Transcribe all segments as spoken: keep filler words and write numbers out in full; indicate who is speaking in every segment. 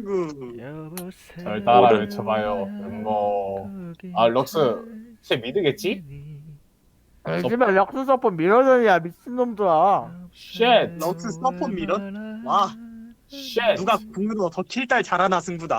Speaker 1: 친구.
Speaker 2: 잘 따라 외쳐봐요. 뭐, 아, 럭스, 쟤 미드겠지?
Speaker 3: 요즘에 럭스 서포 밀어전이야 미친놈들아.
Speaker 2: 쉣!
Speaker 1: 럭스 서폿 밀은? 와,
Speaker 2: 쉣!
Speaker 1: 누가 궁으로 더 킬딸 잘하나 승부다.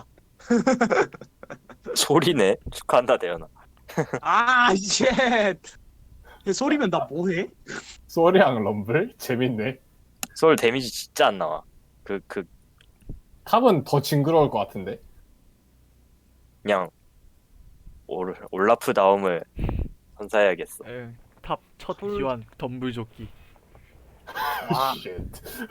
Speaker 4: 소리네. 축하한다 대현아.
Speaker 1: 아, 쉣. 소리면 나 뭐해?
Speaker 2: 소리랑 럼블? 재밌네.
Speaker 4: 소울 데미지 진짜 안 나와. 그 그
Speaker 2: 탑은 더 징그러울 것 같은데?
Speaker 4: 그냥 올, 올라프 다음을 선사해야겠어.
Speaker 5: 탑첫 기환 덤불조끼.
Speaker 1: 와,
Speaker 2: 쉣.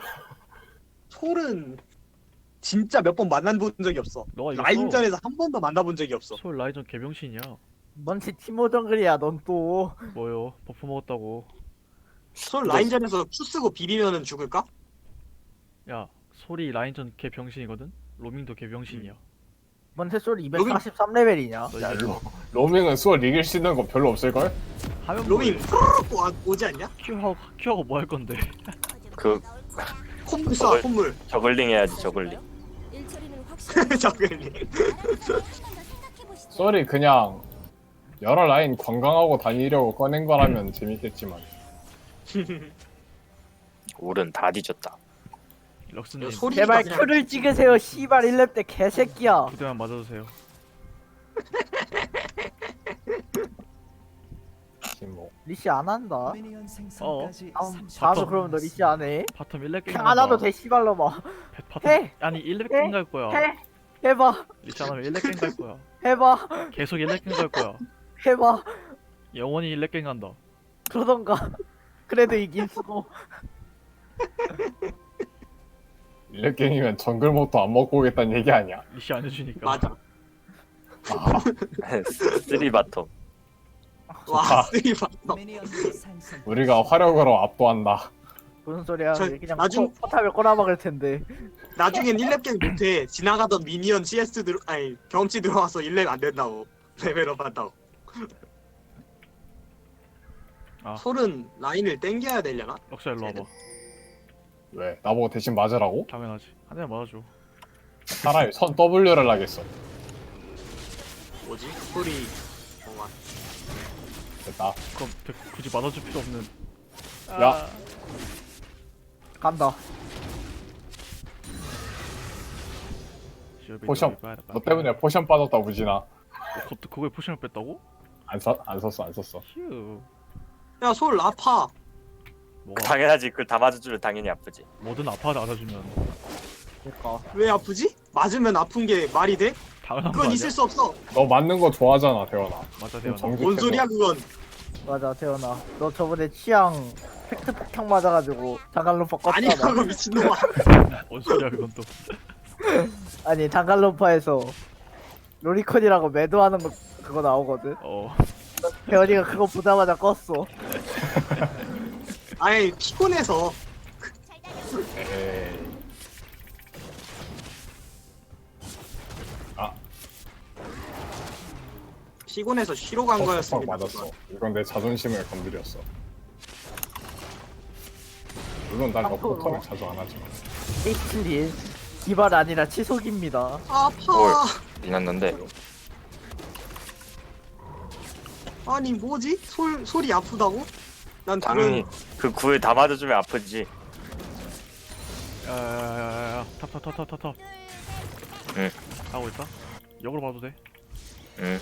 Speaker 1: 솔은 진짜 몇 번 만나본 적이 없어.
Speaker 5: 너가 이겼어.
Speaker 1: 라인전에서 한 번도 만나본 적이 없어.
Speaker 5: 솔 라이전 개병신이야.
Speaker 3: 뭔지 티모 정글이야 넌 또.
Speaker 5: 뭐요? 버프 먹었다고.
Speaker 1: 솔 라인전에서 Q 쓰고 비비면은 죽을까?
Speaker 5: 야 솔이 라인전 개병신이거든. 로밍도 개병신이야.
Speaker 3: 뭔데 솔 이백사십삼 레벨이냐?
Speaker 5: 너
Speaker 2: 야,
Speaker 5: 이제
Speaker 2: 로, 로밍은 수월 이길 수 있는 거 별로 없을걸?
Speaker 5: 하면
Speaker 1: 로밍 푸르륵 와- 오지 않냐?
Speaker 5: 큐하고 큐하고 뭐 할 건데?
Speaker 4: 그
Speaker 1: 콧물 쏴,
Speaker 4: 저걸-
Speaker 1: 콧물.
Speaker 4: 저글링 해야지 저글링.
Speaker 1: 저글링.
Speaker 2: 수월이 그냥 여러 라인 관광하고 다니려고 꺼낸 거라면 재밌겠지만.
Speaker 4: 올은 다 뒤졌다.
Speaker 5: 럭스님
Speaker 1: 소리-
Speaker 3: 제발
Speaker 1: 그냥-
Speaker 3: 큐를 찍으세요 씨발 일 렙 때 개새끼야.
Speaker 5: 부대만 맞아주세요.
Speaker 2: 지금 뭐.
Speaker 3: 리시 안 한다.
Speaker 5: 어.
Speaker 3: 다음 다음에 그러면 너 리시 안 해?
Speaker 5: 바텀 일 렙 게임
Speaker 3: 그냥 안 와도 돼 씨발로마.
Speaker 5: 바텀
Speaker 3: 해!
Speaker 5: 아니 일 렙
Speaker 3: 해!
Speaker 5: 게임 갈 거야.
Speaker 3: 해 해봐
Speaker 5: 리치 안 하면 일 렙 게임 갈 거야.
Speaker 3: 해봐
Speaker 5: 계속 일 렙 게임 갈 거야.
Speaker 3: 해봐
Speaker 5: 영원히 일 렙 게임 간다.
Speaker 3: 그러던가. 그래도 이길 수고.
Speaker 2: 일렉갱이면 정글 몹도 안 먹고 오겠다는 얘기 아니야?
Speaker 5: 리시 안 해주니까.
Speaker 1: 맞아.
Speaker 2: 아,
Speaker 4: 쓰리 바텀.
Speaker 1: 와, 쓰리 봐.
Speaker 2: 우리가 화력으로 압도한다.
Speaker 3: 무슨 소리야?
Speaker 1: 저
Speaker 3: 얘 그냥
Speaker 1: 나중-
Speaker 3: 포, 포탑을 꼬라박을 텐데.
Speaker 1: 나중엔 일 렙 게임 못해. 지나가던 미니언 씨에스 들어 아니 경험치 들어와서 일 렙 안 된다고. 레벨업 한다고.
Speaker 5: 아.
Speaker 1: 솔은 라인을 땡겨야 되려나?
Speaker 5: 럭스 일로 와봐.
Speaker 2: 왜? 나보고 대신 맞으라고?
Speaker 5: 당연하지. 한 대만 맞아줘.
Speaker 2: 차라리 선 W를 하겠어.
Speaker 1: 뭐지? 솔이 어, 와.
Speaker 2: 됐다.
Speaker 5: 그럼 대- 굳이 맞아줄 필요 없는.
Speaker 2: 야.
Speaker 3: 간다.
Speaker 2: 포션. 너 때문에 포션 빠졌다 우진아.
Speaker 5: 어, 그것도 그거에 포션을 뺐다고?
Speaker 2: 안, 써, 안 썼어 안 썼어.
Speaker 5: 휴.
Speaker 1: 야, 솔 아파.
Speaker 5: 뭐가
Speaker 4: 당연하지. 그걸 다 맞아주면 당연히 아프지.
Speaker 5: 뭐든 아파도 안아주면
Speaker 3: 그러니까
Speaker 1: 왜 아프지? 맞으면 아픈 게 말이 돼?
Speaker 5: 당연한 거
Speaker 1: 그건
Speaker 5: 아니야?
Speaker 1: 있을 수 없어.
Speaker 2: 너 맞는 거 좋아하잖아 대원아.
Speaker 5: 맞아
Speaker 2: 좀
Speaker 5: 대현아.
Speaker 2: 정직해서.
Speaker 1: 뭔 소리야 그건?
Speaker 3: 맞아 태연아. 너 저번에 취향 팩트 폭탄 맞아가지고 장갈로파 껐잖아.
Speaker 1: 아니라고 미친놈아.
Speaker 5: 뭔 소리야 그건 또.
Speaker 3: 아니 장갈로파에서 로리콘이라고 매도하는 거 그거 나오거든.
Speaker 5: 어.
Speaker 3: 태연이가 그거 보자마자 껐어.
Speaker 1: 아니 피곤해서.
Speaker 2: 에이. 아,
Speaker 1: 피곤해서 쉬러 간
Speaker 2: 퍽퍽
Speaker 1: 거였습니다.
Speaker 2: 맞았어. 이건 내 자존심을 건드렸어. 물론 난
Speaker 3: 앞으로.
Speaker 2: 러프터를 자주 안 하지만.
Speaker 3: 에이치린 기발 아니라 치속입니다.
Speaker 1: 아파.
Speaker 4: 미났는데.
Speaker 1: 아니 뭐지? 솔 솔이 아프다고? 난
Speaker 4: 당연히
Speaker 1: 다른
Speaker 4: 그 구을 다 맞아주면 아프지.
Speaker 5: 야야야야야. 탑탑탑탑탑.
Speaker 4: 응.
Speaker 5: 하고 있다. 역으로 봐도 돼.
Speaker 4: 응.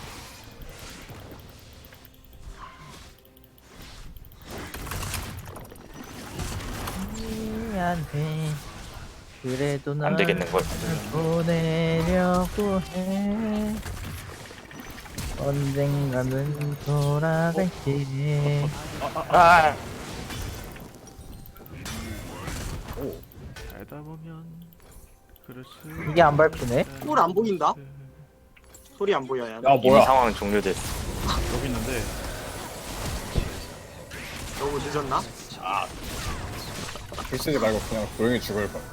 Speaker 3: 미안해. 그래도
Speaker 4: 안
Speaker 3: 난
Speaker 4: 되겠는 걸.
Speaker 3: 보내려고 해. 언젠가는 돌아갈게.
Speaker 4: 아.
Speaker 5: 살다 보면 그럴 수.
Speaker 3: 이게 안 밟히네?
Speaker 1: 꿀안 보인다? 솔이 안 보여야.
Speaker 2: 야
Speaker 4: 이미
Speaker 2: 뭐야?
Speaker 4: 상황 종료됐어.
Speaker 5: 여기 있는데.
Speaker 1: 너무 늦었나?
Speaker 2: 글쓰지 말고 그냥 조용히 죽을 걸.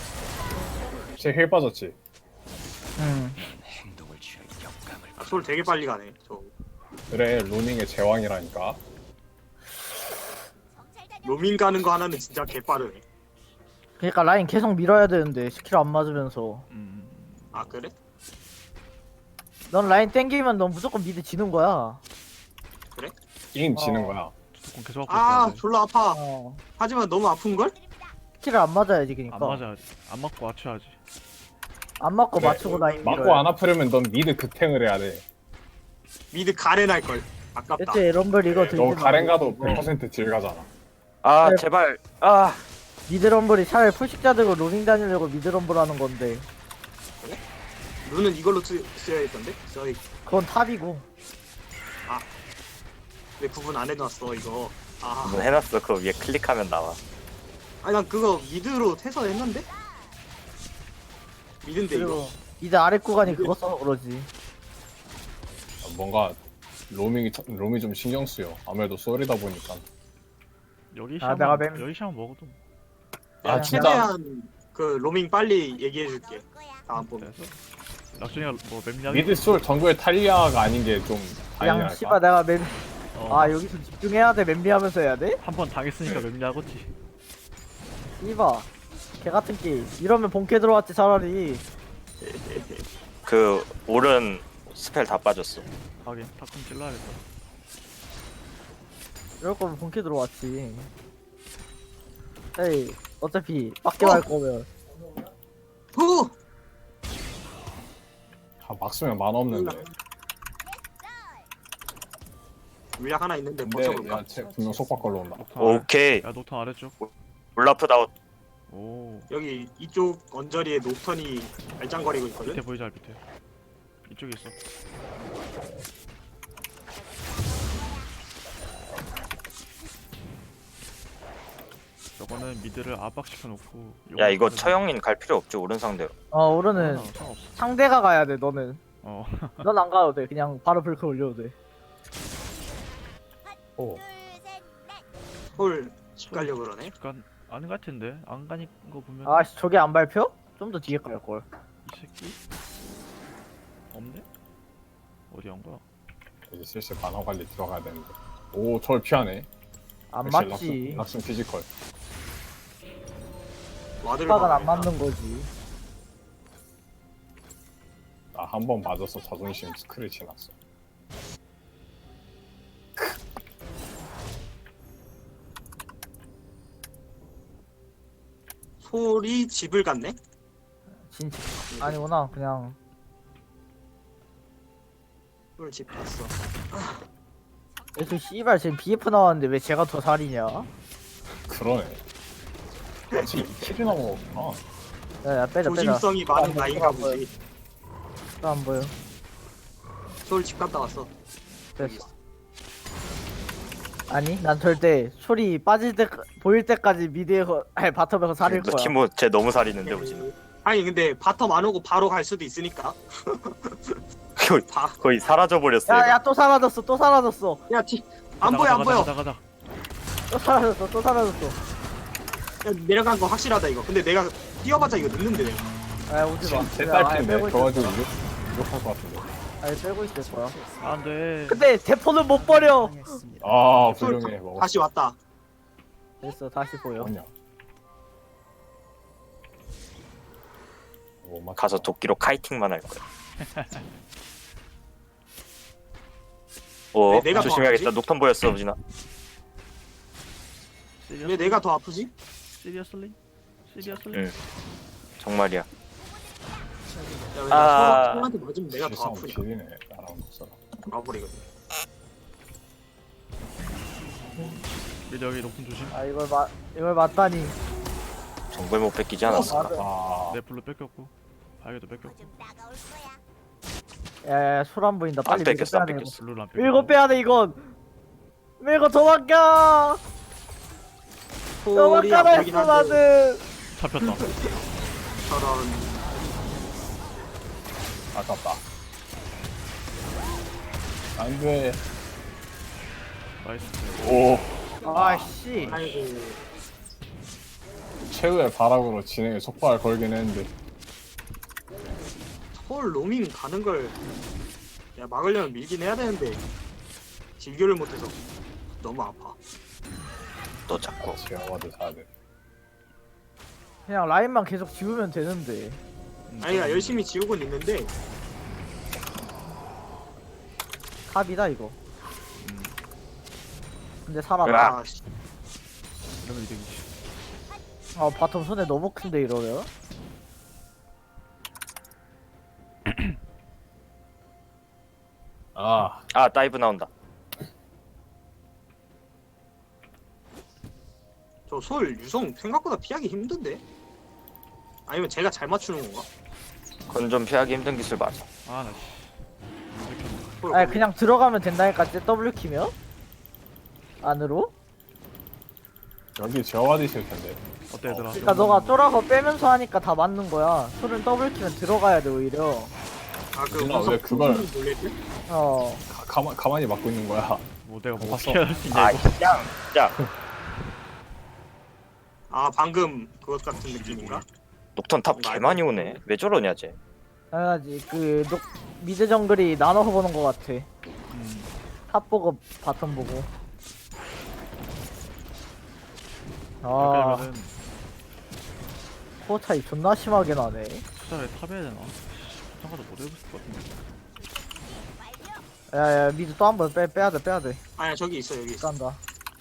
Speaker 2: 쟤힐 빠졌지?
Speaker 3: 응.
Speaker 1: 아, 솔 되게 빨리 가네. 저
Speaker 2: 그래 로닝의 제왕이라니까.
Speaker 1: 로밍 가는 거 하나는 진짜 개빠르네.
Speaker 3: 그러니까 라인 계속 밀어야 되는데 스킬 안 맞으면서.
Speaker 5: 음.
Speaker 1: 아 그래?
Speaker 3: 넌 라인 땡기면 넌 무조건 미드 지는 거야.
Speaker 2: 게임
Speaker 3: 어.
Speaker 2: 지는 거야.
Speaker 5: 조금 계속 하고
Speaker 1: 아
Speaker 5: 있어야 돼.
Speaker 1: 졸라 아파.
Speaker 3: 어.
Speaker 1: 하지만 너무 아픈 걸?
Speaker 3: 키를 안 맞아야지 그니까.
Speaker 5: 안 맞아야지. 안 맞고 맞춰야지.
Speaker 3: 안 맞고
Speaker 2: 그래.
Speaker 3: 맞추고 라인 밀어야
Speaker 2: 맞고 안 아프려면 넌 미드 극탱을 해야 돼.
Speaker 1: 미드 가렌 할 걸. 아깝다.
Speaker 3: 대체 럼블 이거 들지
Speaker 2: 너 가렌 가도
Speaker 3: 말고.
Speaker 2: 백 퍼센트 딜 가잖아.
Speaker 4: 아
Speaker 3: 네.
Speaker 4: 제발. 아
Speaker 3: 미드 럼블이 차라리 풀식자 들고 로밍 다니려고 미드 럼블 하는 건데
Speaker 1: 눈은 이걸로 쓰, 써야겠던데? 저희
Speaker 3: 그건 탑이고.
Speaker 1: 왜 구분 안 해놨어 이거. 아,
Speaker 4: 뭐 해놨어. 그 위에 클릭하면 나와.
Speaker 1: 아니 난 그거 미드로 해서 했는데? 미드인데 이거.
Speaker 3: 그리고 미드 아래 구간이 그거 써서 그러지.
Speaker 2: 뭔가 로밍이 터- 로밍이 좀 신경 쓰여. 아무래도 쏠이다 보니까.
Speaker 5: 여기
Speaker 3: 아,
Speaker 5: 샤만
Speaker 3: 내가 맨-
Speaker 5: 여기 샤만 먹어도
Speaker 2: 아
Speaker 3: 야,
Speaker 2: 진짜.
Speaker 1: 최대한 그 로밍 빨리 얘기해줄게. 다음번.
Speaker 5: 돼서 낙준이가 뭐 맵냐?
Speaker 2: 미드 쏠 정글 탈리아가 아닌 게 좀
Speaker 3: 그냥
Speaker 2: 다행이랄까.
Speaker 3: 씨발 내가 맵...
Speaker 5: 어,
Speaker 3: 아 여기서 집중해야 돼. 맵리하면서 해야 돼?
Speaker 5: 한 번 당했으니까 맵냐겠지.
Speaker 3: 이봐 개같은 게임. 이러면 본캐 들어왔지 차라리.
Speaker 4: 그 오른 스펠 다 빠졌어.
Speaker 5: 하긴 탑좀 찔러야겠다.
Speaker 3: 이럴 거면 본캐 들어왔지. 에이 어차피 빡게 할 거면
Speaker 1: 후!
Speaker 2: 아, 막 쓰면 만 없는데.
Speaker 1: 물약 하나 있는데
Speaker 2: 근데
Speaker 1: 버텨볼까?
Speaker 2: 야, 쟤 분명 속박 걸러 온다.
Speaker 5: 녹턴 아래.
Speaker 4: 오케이.
Speaker 5: 야 녹턴 아래쪽.
Speaker 4: 올라프다웃.
Speaker 5: 오
Speaker 1: 여기 이쪽 언저리에 녹턴이 알짱거리고 있거든?
Speaker 5: 밑에 보이자 밑에. 이쪽에 있어. 저거는 미드를 압박시켜 놓고.
Speaker 4: 야 이거 처형인 갈 필요 없죠. 오른 상대로.
Speaker 3: 어 오르는
Speaker 5: 상관없어.
Speaker 3: 상대가 가야 돼 너는.
Speaker 5: 어.
Speaker 3: 넌 안 가도 돼. 그냥 바로 불크 올려도 돼.
Speaker 2: 오.
Speaker 1: 헐, 집 가려고 그러네?
Speaker 5: 약간 아는 것 같은데 안 가는 거 보면.
Speaker 3: 아씨 저게 안 밟혀? 좀 더 뒤에 갈 걸.
Speaker 5: 이 새끼 없네? 어디 간 거야?
Speaker 2: 이제 슬슬 만화 관리 들어가야 되는데. 오, 저를 피하네.
Speaker 3: 안
Speaker 2: 역시
Speaker 3: 맞지.
Speaker 2: 락슨, 락슨 피지컬.
Speaker 1: 와드를
Speaker 3: 빡은 안
Speaker 1: 막아야겠다.
Speaker 3: 맞는 거지.
Speaker 2: 나 한 번 맞아서 자존심 스크래치 났어.
Speaker 1: 솔이 집을 갔네?
Speaker 3: 진짜 아니구나. 그냥
Speaker 1: 솔 집 갔어.
Speaker 3: 그 씨발 지금 비에프 나왔는데 왜 제가 더 살이냐?
Speaker 2: 그러네. 아직 이 킬이나 먹었구나.
Speaker 3: 야야 빼자 빼자.
Speaker 1: 조심성이 많은
Speaker 3: 안
Speaker 1: 나인가
Speaker 3: 보여.
Speaker 1: 보지.
Speaker 3: 또 안 보여.
Speaker 1: 솔 집 갔다 왔어.
Speaker 3: 됐어. 아니 난 절대 소리 빠질 때 보일 때까지 미드에서 아니 바텀에서 살일
Speaker 4: 너
Speaker 3: 거야.
Speaker 4: 티모 쟤 너무 살이는데 우지는.
Speaker 1: 아니 근데 바텀 안 오고 바로 갈 수도 있으니까.
Speaker 4: 거의,
Speaker 1: 다.
Speaker 4: 거의 사라져 버렸어.
Speaker 3: 야야 또 사라졌어 또 사라졌어
Speaker 1: 야, 티. 안
Speaker 5: 가자,
Speaker 1: 보여, 안
Speaker 5: 가자,
Speaker 1: 보여.
Speaker 5: 가자 가자.
Speaker 3: 또 사라졌어 또 사라졌어.
Speaker 1: 야, 내려간 거 확실하다 이거. 근데 내가 뛰어봤자 이거 늦는데 내가.
Speaker 3: 아 오지 마.
Speaker 2: 제
Speaker 3: 야, 아예
Speaker 2: 딸핀데.
Speaker 3: 빼고
Speaker 2: 그거
Speaker 3: 있을
Speaker 2: 가지고
Speaker 3: 거야.
Speaker 2: 이거 이거 할것 같은데.
Speaker 3: 아예 빼고 있을 거야.
Speaker 5: 안돼.
Speaker 3: 근데 대포는 못 버려.
Speaker 2: 아,
Speaker 1: 솔
Speaker 2: 훌륭해. 먹었어.
Speaker 1: 다시 왔다.
Speaker 3: 됐어 다시 보여.
Speaker 2: 뭐냐? 뭐 맞.
Speaker 4: 가서 도끼로 카이팅만 할 거야. 오
Speaker 1: 네, 내가 더
Speaker 4: 조심해야겠다.
Speaker 1: 아프지?
Speaker 4: 녹턴 보였어 우진아.
Speaker 1: 왜 내가 더 아프지?
Speaker 5: 시리어슬리? 시리어슬리?
Speaker 4: 응. 정말이야.
Speaker 1: 야, 왜
Speaker 4: 아.
Speaker 1: 아... 솔한테 맞으면 내가 더
Speaker 2: 실성
Speaker 1: 아프냐?
Speaker 2: 길이네. 나랑 목소라.
Speaker 1: 아버리거든.
Speaker 5: 미드 여기 높은 조심.
Speaker 3: 아 이걸 맞 이걸 맞다니.
Speaker 4: 정글 못 뺏기지 않았어.
Speaker 3: 맞아.
Speaker 2: 아,
Speaker 5: 내 블루 뺏겼고 발개도 뺏겼고
Speaker 3: 야야 소안 보인다. 빨리
Speaker 4: 안 뺏겼어 안
Speaker 3: 밀고 빼야 돼,
Speaker 4: 뺏겼어.
Speaker 5: 블루를 안
Speaker 3: 이거.
Speaker 5: 뺏겼고.
Speaker 3: 밀고 빼야 돼 이건. 밀고 도망가.
Speaker 1: 솔이
Speaker 3: 도망가라
Speaker 1: 아프긴
Speaker 3: 했어
Speaker 1: 한데
Speaker 3: 나는.
Speaker 5: 잡혔다.
Speaker 1: 저런.
Speaker 2: 아깝다. 안 돼.
Speaker 5: 나이스.
Speaker 2: 오,
Speaker 3: 아씨.
Speaker 1: 아이고.
Speaker 2: 최후의 바락으로 진행에 속박을 걸긴 했는데.
Speaker 1: 솔 로밍 가는 걸. 야, 막으려면 밀긴 해야 되는데. 진교를 못해서 너무 아파.
Speaker 4: 너 자꾸.
Speaker 2: 제어와도 사야 돼.
Speaker 3: 그냥 라인만 계속 지우면 되는데.
Speaker 5: 음,
Speaker 1: 아니 나
Speaker 5: 좀-
Speaker 1: 열심히 지우곤 있는데
Speaker 3: 탑이다 이거.
Speaker 5: 음,
Speaker 3: 근데 살아나.
Speaker 4: 으악.
Speaker 1: 아 씨.
Speaker 5: 이러면 이득이지.
Speaker 3: 아 바텀 손에 너무 큰데 이러면.
Speaker 2: 아
Speaker 4: 아 다이브 나온다.
Speaker 1: 저 솔 유성 생각보다 피하기 힘든데? 아니면 제가 잘 맞추는 건가?
Speaker 4: 그건 좀 피하기 힘든 기술 맞아.
Speaker 5: 아, 나 씨. 안 들켰네.
Speaker 1: 솔
Speaker 3: 아니
Speaker 1: 거기-
Speaker 3: 그냥 들어가면 된다니까 W 키면? 안으로?
Speaker 2: 여기 제어가 있을 텐데.
Speaker 5: 어때 얘들아?
Speaker 3: 그러니까 너가 쫄아서 빼면서 하니까 다 맞는 거야. 솔은 W 키면 들어가야 돼 오히려.
Speaker 1: 아그
Speaker 2: 누나, 왜 그걸-
Speaker 1: 놀랬지?
Speaker 3: 어.
Speaker 2: 가, 가만 가만히 막고 있는 거야.
Speaker 5: 뭐 내가 뭐
Speaker 2: 봤어.
Speaker 5: 어떻게 할 수 있냐
Speaker 4: 아
Speaker 5: 이거.
Speaker 4: 야, 야,
Speaker 1: 아 방금 그것 같은 느낌인가?
Speaker 4: 녹턴 탑 개 많이 오네. 왜 저러냐 쟤.
Speaker 3: 당연하지. 그 녹, 미드 정글이 나눠서 보는 거 같아.
Speaker 5: 음,
Speaker 3: 탑 보고 바텀 보고.
Speaker 5: 이렇게
Speaker 3: 아
Speaker 5: 되면은
Speaker 3: 코어 차이 존나 심하게 나네.
Speaker 5: 투자를 탑해야 되나? 잠깐도 못 해볼 것 같은데.
Speaker 3: 야야 미드 또 한 번 빼 빼야 돼 빼야 돼.
Speaker 1: 아니야 저기 있어 여기 있어.
Speaker 3: 깐다.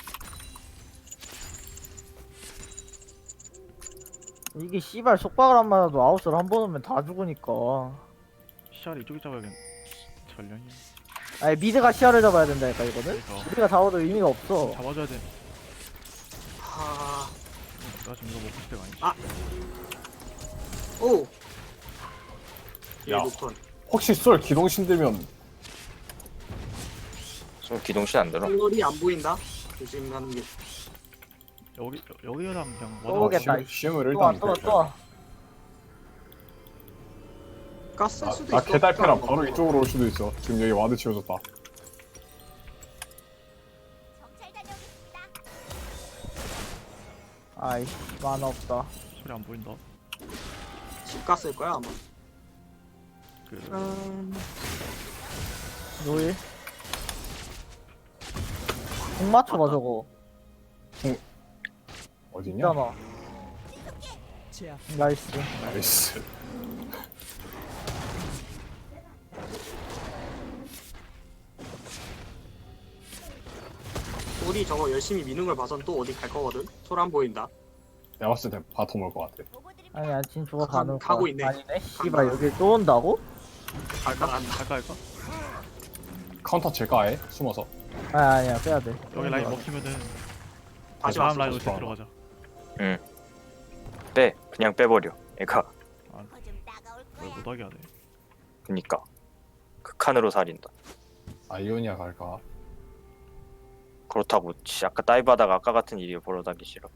Speaker 3: 이게 씨발 속박을 안 맞아도 아웃을 한 번 오면 다 죽으니까.
Speaker 5: 시야를 이쪽에 잡아야겠네. 전령이.
Speaker 3: 아니 미드가 시야를 잡아야 된다니까 이거는.
Speaker 5: 그러니까
Speaker 3: 우리가 잡아도 의미가 없어.
Speaker 5: 잡아줘야 돼.
Speaker 1: 하...
Speaker 5: 나 지금 이거 먹고 싶을 때가 아니지.
Speaker 1: 오!
Speaker 2: 야.
Speaker 1: 야 녹턴
Speaker 2: 혹시 쏠 기동신 들면
Speaker 4: 좀 기동신 안 들어.
Speaker 1: 털이 안 보인다? 조심하는 게
Speaker 5: 여기 여기랑 그냥
Speaker 3: 또 오겠다.
Speaker 2: 심- 심을
Speaker 3: 또 와
Speaker 2: 일단
Speaker 3: 또 와 또 와.
Speaker 1: 가스
Speaker 2: 나,
Speaker 1: 수도
Speaker 2: 나
Speaker 1: 있어.
Speaker 2: 개달패랑 바로 이쪽으로 올 수도 있어. 지금 여기 와드 치워줬다.
Speaker 3: 아이씨 만화 없다.
Speaker 5: 소리 안 보인다.
Speaker 1: 집 갔을 거야 아마.
Speaker 5: 그
Speaker 1: 음...
Speaker 3: 노일. 공 맞춰봐 저거.
Speaker 2: 어디냐?
Speaker 3: 있잖아. 나이스.
Speaker 2: 나이스.
Speaker 1: 우리 저거 열심히 미는 걸 봐선 또 어디 갈 거거든. 솔 안 보인다.
Speaker 2: 내가 봤을 때 바텀 올 것 같아.
Speaker 3: 아니야 진 저거
Speaker 1: 가-
Speaker 3: 가는
Speaker 1: 가고
Speaker 3: 거야.
Speaker 1: 있네.
Speaker 3: 아니네. 씨발 여기 또 온다고?
Speaker 1: 갈까 간다.
Speaker 5: 갈까 할까?
Speaker 2: 카운터 칠까 아예? 숨어서.
Speaker 3: 아 아니야 빼야 돼.
Speaker 5: 여기 라인 먹히면은
Speaker 1: 다시
Speaker 5: 다음
Speaker 1: 왔어.
Speaker 5: 라인 올
Speaker 2: 다시
Speaker 5: 때
Speaker 2: 왔어.
Speaker 5: 들어가자.
Speaker 4: 빼, 그냥 빼버려. 애가
Speaker 5: 왜 못하게 하네.
Speaker 4: 그니까 극한으로 살인다.
Speaker 2: 아이오니아 갈까?
Speaker 4: 그렇다고 씨, 아까 다이브 하다가 아까 같은 일이 벌어지기 싫어.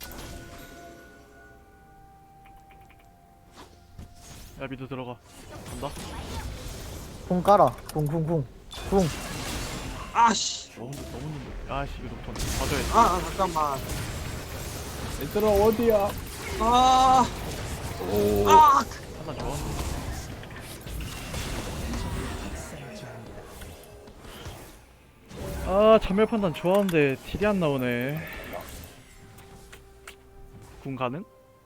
Speaker 5: 야 미드 들어가. 간다.
Speaker 3: 궁 깔아. 궁궁궁. 궁.
Speaker 1: 아씨.
Speaker 5: 너무 너무 늦네. 아씨 이거 녹턴 봐줘야 돼.
Speaker 1: 아, 아 잠깐만.
Speaker 2: 얘들아 어디야?
Speaker 1: 아.
Speaker 2: 오.
Speaker 1: 아.
Speaker 5: 하나 좋았는데. 아 전멸 판단 좋았는데 딜이 안 나오네. 궁 가능?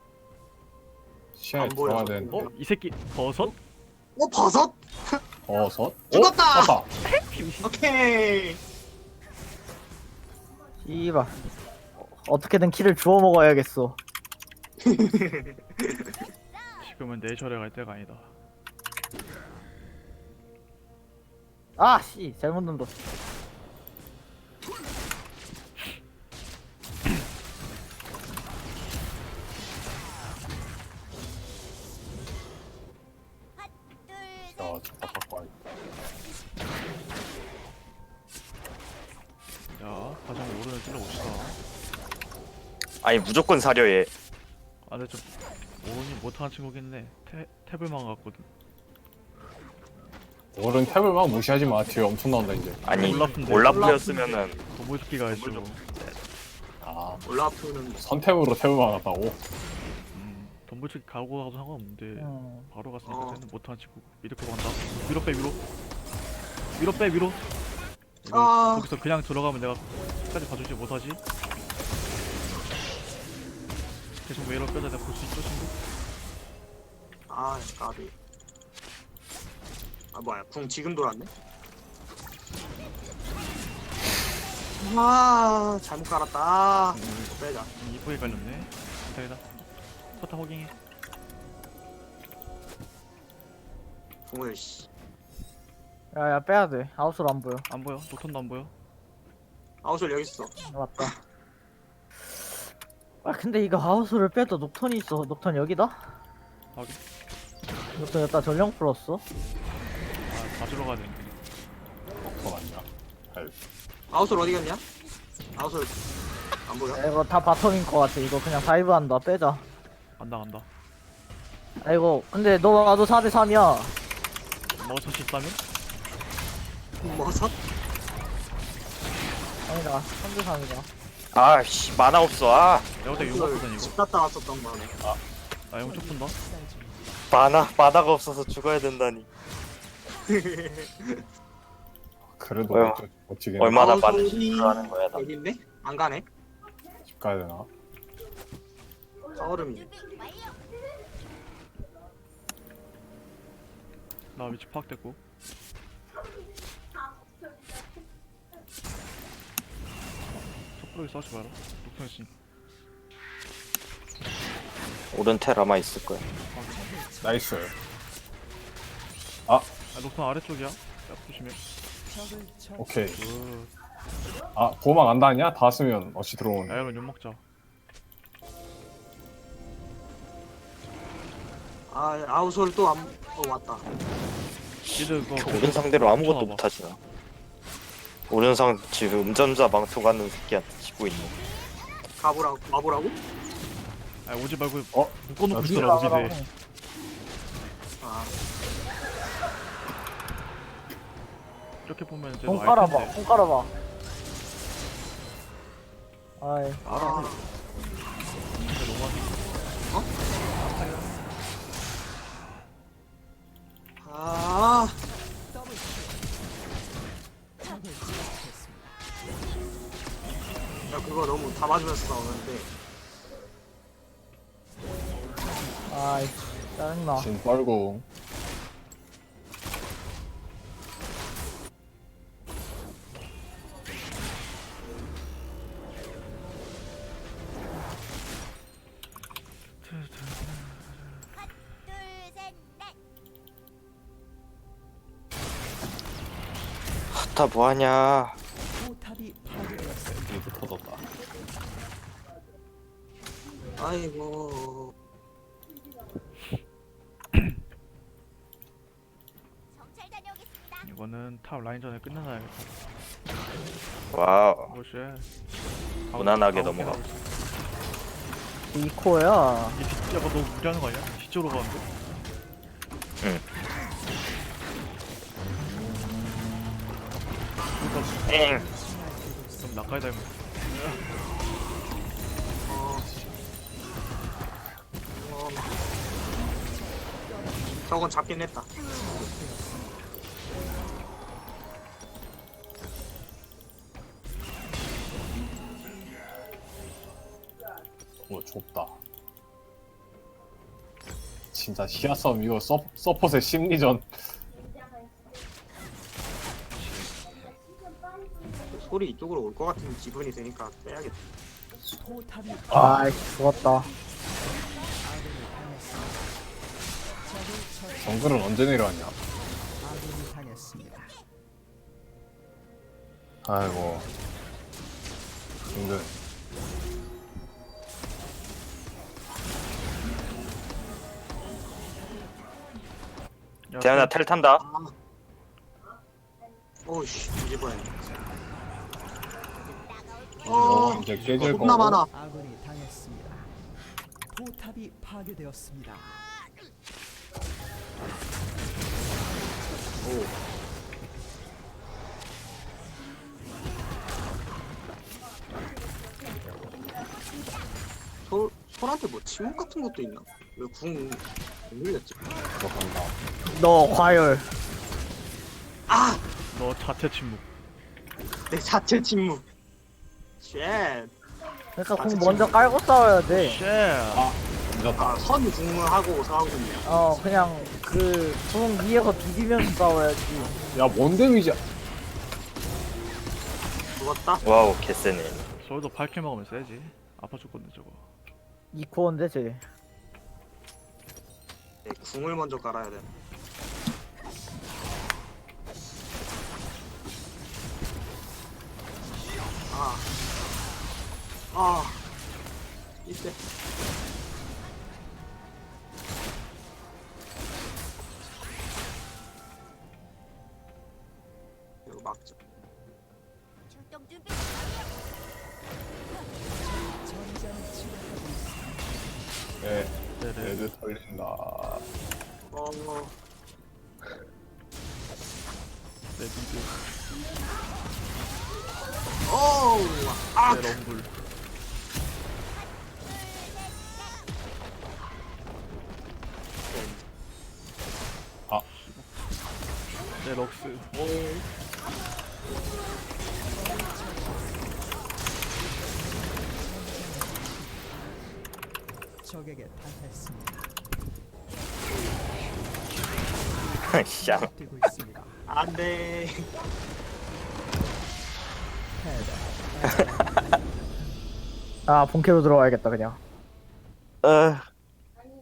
Speaker 2: 시야에
Speaker 1: 안 보여.
Speaker 2: 들어가야 되는데.
Speaker 5: 어? 이 새끼 버섯?
Speaker 1: 어 버섯?
Speaker 2: 버섯?
Speaker 1: 죽었다!
Speaker 2: 어? 맞다.
Speaker 1: 오케이.
Speaker 3: 씨발. 어떻게든 키를 주워 먹어야겠어.
Speaker 5: 지금은 내 절에 갈 때가 아니다.
Speaker 3: 아 씨 잘못 눌렀어.
Speaker 2: 야, 잠깐 바꿔.
Speaker 5: 야 가장 오른을 찔러봅시다.
Speaker 4: 아니 무조건 사려 얘.
Speaker 5: 아 근데 좀 오른이 못하는 친구긴 해. 태, 탭을만 갔거든.
Speaker 2: 어른 탭을 막 무시하지 마. 뒤에 엄청 나온다 이제.
Speaker 4: 아니
Speaker 5: 올라프인데.
Speaker 4: 올라프였으면은
Speaker 5: 도물토끼가 해주고.
Speaker 2: 아,
Speaker 1: 올라프는
Speaker 2: 선탭으로 탭을 막았다고?
Speaker 5: 음, 도물토끼 가고 가도 상관없는데
Speaker 3: 음.
Speaker 5: 바로 갔으니까
Speaker 1: 어.
Speaker 5: 쟤는 못하는 친구. 미드 거 간다. 위로 빼 위로. 위로 빼 위로. 이거
Speaker 1: 아.
Speaker 5: 거기서 그냥 들어가면 내가 끝까지 봐주지 못하지. 계속 왜 이러 빼다 내가 볼 수 있어 친구?
Speaker 1: 아 까비. 아 뭐야 궁 지금 돌았네. 아 잘못 깔았다. 아, 이거 빼자.
Speaker 5: 이쁘게 깔렸네. 기다리다. 포탑 호깅해.
Speaker 1: 궁을 씨.
Speaker 3: 야야 빼야 돼. 아웃으로 안 보여.
Speaker 5: 안 보여. 노턴도 안 보여.
Speaker 1: 아웃솔 여기 있어.
Speaker 3: 맞다. 아 근데 이거 아웃을 빼도 녹턴이 있어. 녹턴 여기다?
Speaker 5: 확인.
Speaker 3: 녹턴 여기다 전령 풀었어.
Speaker 5: 아, 가지러 가야 되는데.
Speaker 2: 더 맞냐? 잘.
Speaker 1: 아웃솔 어디 갔냐? 아웃솔 안 보여?
Speaker 3: 야, 이거 다 바텀인 것 같아. 이거 그냥 다이브 한다. 빼자.
Speaker 5: 간다 간다.
Speaker 3: 아 이거 근데 너 나도 사 대 삼이야.
Speaker 5: 먹을 수 있다면?
Speaker 1: 뭐서?
Speaker 3: 아니다. 삼 대 삼이다.
Speaker 4: 아씨 만화 없어. 아
Speaker 5: 내가 그때 용 없거든
Speaker 1: 집
Speaker 5: 이거.
Speaker 1: 갔다 왔었던 거네.
Speaker 5: 나 용 쪽 푼다.
Speaker 4: 만화 만화가 없어서 죽어야 된다니.
Speaker 2: 그래도
Speaker 4: 뭐야?
Speaker 2: 어쩌- 어찌게
Speaker 4: 얼마나
Speaker 1: 아웃솔이
Speaker 4: 많은 실수를 하는 거야 나.
Speaker 1: 여기인데? 안 가네?
Speaker 2: 집 가야 되나?
Speaker 1: 서울음이.
Speaker 5: 나 위치 파악됐고. 섣부르게 싸우지 마라. 녹턴 씨.
Speaker 4: 오른 텔 아마 있을 거야.
Speaker 2: 나이스.
Speaker 5: 아 녹턴 아래쪽이야. 야 조심해.
Speaker 2: 오케이.
Speaker 5: 그
Speaker 2: 아 보호막 안 닿냐? 닿았으면 어찌 들어오는.
Speaker 5: 야 이런 용 먹자.
Speaker 1: 아 아웃솔 또 안. 어 왔다.
Speaker 5: 얘들 그거
Speaker 4: 오른 상대로 아무것도
Speaker 5: 봐.
Speaker 4: 못하지 나. 오른 상 지금 음전자 망토 가는 새끼한테 지고 있네.
Speaker 1: 가보라고. 가보라고?
Speaker 5: 아 오지 말고
Speaker 2: 어?
Speaker 5: 묶어놓고
Speaker 2: 어디
Speaker 5: 있더라 미드.
Speaker 1: 아
Speaker 5: 이렇게 보면 이제
Speaker 3: 공
Speaker 5: 너
Speaker 3: 깔아봐.
Speaker 5: 알텐데.
Speaker 3: 공 깔아봐. 아이.
Speaker 1: 아.
Speaker 5: 진짜 너무하네.
Speaker 1: 아. 야 그거 너무 다 맞으면서 나오는데.
Speaker 3: 아이. 짜증나.
Speaker 2: 진 뻘궁.
Speaker 4: 다 뭐하냐.
Speaker 2: 이도 터졌다.
Speaker 1: 아이고.
Speaker 5: 이거는 탑 라인전에 끝내놔야겠다.
Speaker 4: 와우.
Speaker 5: 오쉣.
Speaker 4: 무난하게 넘어가.
Speaker 3: 이 코야.
Speaker 5: 이게 뒤, 야가 너무 무리하는 거 아니야? 뒤쪽으로 가는데?
Speaker 4: 응.
Speaker 5: 그러니까
Speaker 4: 엥.
Speaker 5: 그럼 나까지 닮은.
Speaker 1: 어. 어. 저건 잡긴 했다.
Speaker 2: 오 좁다. 진짜 시야 싸움 이거 서, 서폿의 심리전.
Speaker 1: 소리 이쪽으로 올 것 같은 기분이 드니까 빼야겠다.
Speaker 3: 아이 죽었다.
Speaker 2: 정글은 언제 내려왔냐? 아이고 힘들.
Speaker 5: 야,
Speaker 4: 대현아 텔 탄다.
Speaker 1: 아. 오이씨 뒤집어야 돼.
Speaker 2: 어, 이제 깨질 거고.
Speaker 1: 겁나 많아.
Speaker 6: 아군이 당했습니다. 포탑이 파괴되었습니다.
Speaker 1: 오. 소, 솔한테 뭐 침묵 같은 것도 있나? 왜 궁 못 눌렸지?
Speaker 2: 들어간다.
Speaker 3: 너 과열.
Speaker 1: 아!
Speaker 5: 너 자체 침묵.
Speaker 1: 내 자체 침묵. 쉣.
Speaker 3: 그러니까
Speaker 1: 아,
Speaker 3: 공
Speaker 1: 진짜.
Speaker 3: 먼저 깔고 싸워야 돼.
Speaker 5: 쉣.
Speaker 2: 아, 늦었다.
Speaker 1: 아, 선 궁을 하고 싸우고 있네요.
Speaker 3: 어 그냥 그궁 위에서 비비면서 싸워야지.
Speaker 2: 야, 뭔 데미지야?
Speaker 1: 죽었다?
Speaker 4: 와우 개쎄네.
Speaker 5: 저기도 팔 킬 먹으면 세지. 아파 죽겠네 저거.
Speaker 3: 이 코어인데 쟤.
Speaker 1: 네, 궁을 먼저 깔아야 돼. 아. 아. 이때. 이거 막죠.
Speaker 7: 출동 준비.
Speaker 6: 전장을 치료하고 있습니다.
Speaker 2: 네,
Speaker 5: 네네.
Speaker 2: 레드 털린다.
Speaker 1: 어.
Speaker 5: 네 미드.
Speaker 1: 어우. 아.
Speaker 5: 네 럼블. 네 럭스.
Speaker 6: 적에게 당했습니다.
Speaker 4: 샹.
Speaker 6: 뛰고 있습니다.
Speaker 1: 안 돼.
Speaker 6: 패배.
Speaker 3: 아 본캐로 들어와야겠다 그냥.
Speaker 4: 어